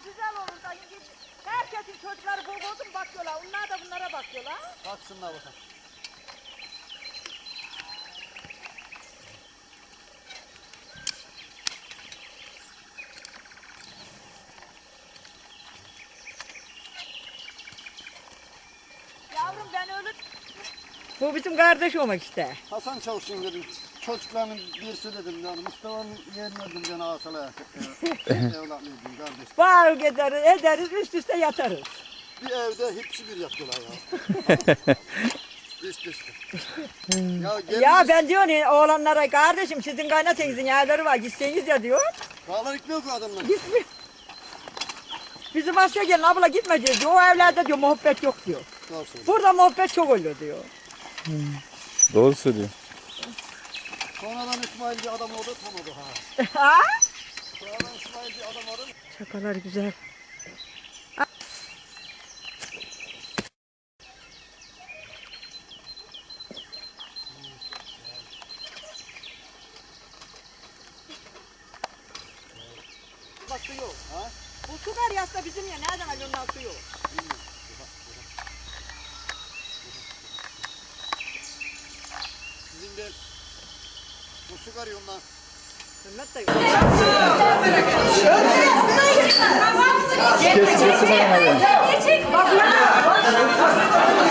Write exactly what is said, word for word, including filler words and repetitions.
güzel olur da. Herkesin çocukları bol olsun bakıyorlar. Onlar da bunlara bakıyorlar. Baksınlar bakalım. Yavrum ben öyle... Bu bizim kardeş olmak işte. Hasan Çavuş'un dedim. Çocuklarının birisi dedim yani Mustafa'nın yeğeni dedim yani asalaya. Evlat dedim kardeş. Bağır ederiz, ederiz, üst üste yatarız. Bir evde hepsi bir yapıyorlar ya. Üst üste. Ya, gelin Ya ben diyorum ya, oğlanlara kardeşim sizin kaynatenizin yerleri var gitseniz ya diyor. Dağlar gitmiyor ki adamlar. Gitmiyor. Bizim Asya gelin abla gitme diyor. O evlerde diyor muhabbet yok diyor. Doğru söylüyor. Burada muhabbet çok oluyor diyor. Doğru söylüyor. Sonradan İsmail bir adam oldu tam oldu ha. Ha? Sonradan İsmail bir adam oldu. Şakalar güzel. Bak su yok. Ha? Bu su var ya aslında bizim ya. Nereden alıyorsun lan suyu? Sizin de bu su karıyor ondan. Hürmet de Geç geç bana abi.